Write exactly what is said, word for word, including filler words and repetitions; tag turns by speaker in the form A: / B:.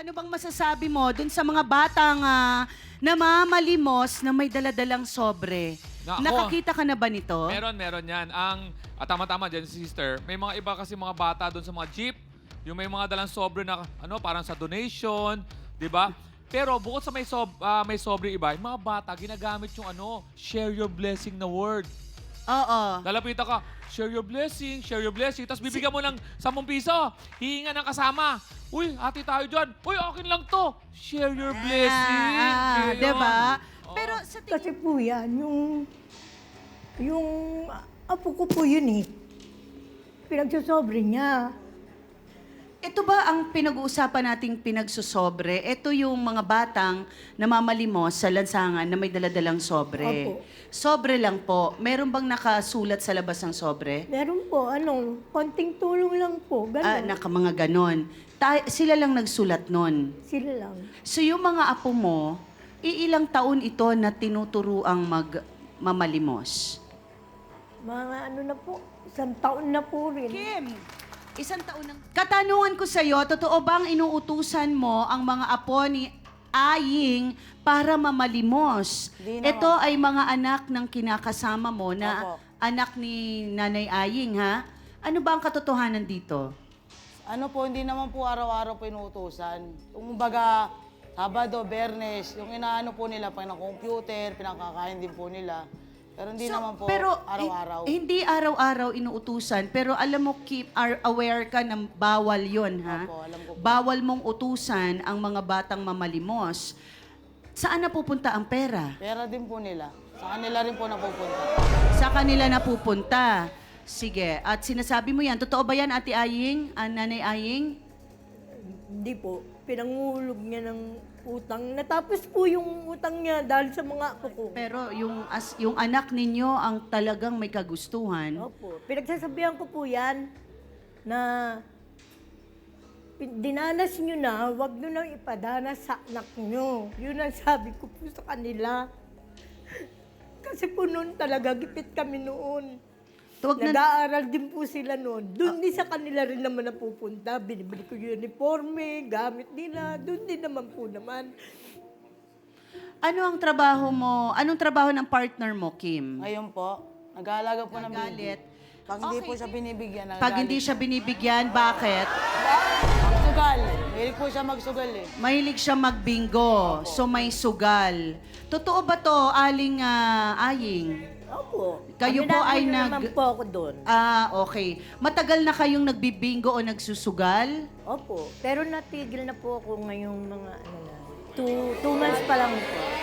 A: ano bang masasabi mo dun sa mga batang ah, namamalimos na may daladalang sobre?
B: Nako.
A: Nakakita ka na ba nito?
B: Meron, meron yan. Ang, at tama-tama dyan, sister, may mga iba kasi mga bata doon sa mga jeep, yung may mga dalang sobre na, ano, parang sa donation, di ba? Pero bukod sa may, sob, ah, may sobre iba, yung mga bata, ginagamit yung ano, share your blessing na word.
A: Oo.
B: Lalapitan ka, share your blessing, share your blessing. Tapos bibigyan mo ng sampung piso, hihinga ng kasama. Uy, hati tayo dyan. Uy, akin lang to. Share your blessing.
A: Ah,
B: Yun.
A: diba?
B: Oo.
A: Pero sa tingin
C: Kasi po yan, yung, yung apo ko po yun eh. Pinagsasobre niya.
A: ito ba ang pinag-uusapan nating pinagsusobre? Ito yung mga batang namamalimos sa lansangan na may daladalang sobre.
C: Opo.
A: Sobre lang po. Meron bang nakasulat sa labas ng sobre?
C: Meron po, ano, konting tulong lang po,
A: Ah,
C: gano'n.
A: naka mga ganon. Ta- sila lang nagsulat nun.
C: Sila lang.
A: So yung mga apo mo, iilang taon ito na tinuturo ang magmamalimos?
C: Mga ano na po, isang taon na po rin.
A: Kim, isang taon ng... Katanungan ko sa'yo, totoo bang inuutusan mo ang mga apo ni Aying para mamalimos?
D: Di naman.
A: Ito ay mga anak ng kinakasama mo na
D: Opo.
A: anak ni Nanay Aying, ha? Ano ba ang katotohanan dito?
D: Ano po, hindi naman po araw-araw po inuutosan. Kung baga, Sabado, Bernes, yung inaano po nila, pag computer, pinakakain din po nila. Pero hindi
A: So,
D: naman po
A: pero,
D: araw-araw.
A: eh, hindi araw-araw inuutusan, pero alam mo, keep are aware ka na bawal yon, ha?
D: Opo, alam ko po.
A: Bawal mong utusan ang mga batang mamalimos. Saan napupunta ang pera?
D: Pera din po nila. Sa kanila rin po napupunta.
A: Sa kanila napupunta. Sige, at sinasabi mo yan. Totoo ba yan, Ate Aying? Ah, Nanay Aying?
C: Hindi po, pinangulog niya ng utang. Natapos po yung utang niya dahil sa mga apo ko.
A: Pero yung, as, yung anak ninyo ang talagang may kagustuhan.
C: Opo, pinagsasabihan ko po yan na pin- dinanas nyo na, wag nyo nang ipadanas sa anak nyo. Yun ang sabi ko po sa kanila. Kasi po noon talaga, gipit kami noon.
A: Tuwag na,
C: Nag-aaral din po sila noon. Doon din sa kanila rin naman napupunta. Binibili ko yung uniforme, gamit nila. Doon din naman po naman.
A: ano ang trabaho mo? Anong trabaho ng partner mo, Kim?
D: Ngayon po, nag-aalaga po ng
A: Nagalit.
D: baby. Pag hindi
A: Okay.
D: po siya binibigyan, nagagalit.
A: Pag hindi siya binibigyan, bakit?
D: Magsugal. Mahilig po siya magsugal eh.
A: Mahilig siya magbingo, so may sugal. Totoo ba to, Aling ah, Aying?
C: Opo.
A: Kayo po ay
C: Aminado
A: nag-
C: naman po ako doon.
A: Ah, okay. Matagal na kayong nagbibingo o nagsusugal?
C: Opo. Pero natigil na po ako ngayong mga ano na. Two, two months pa lang po.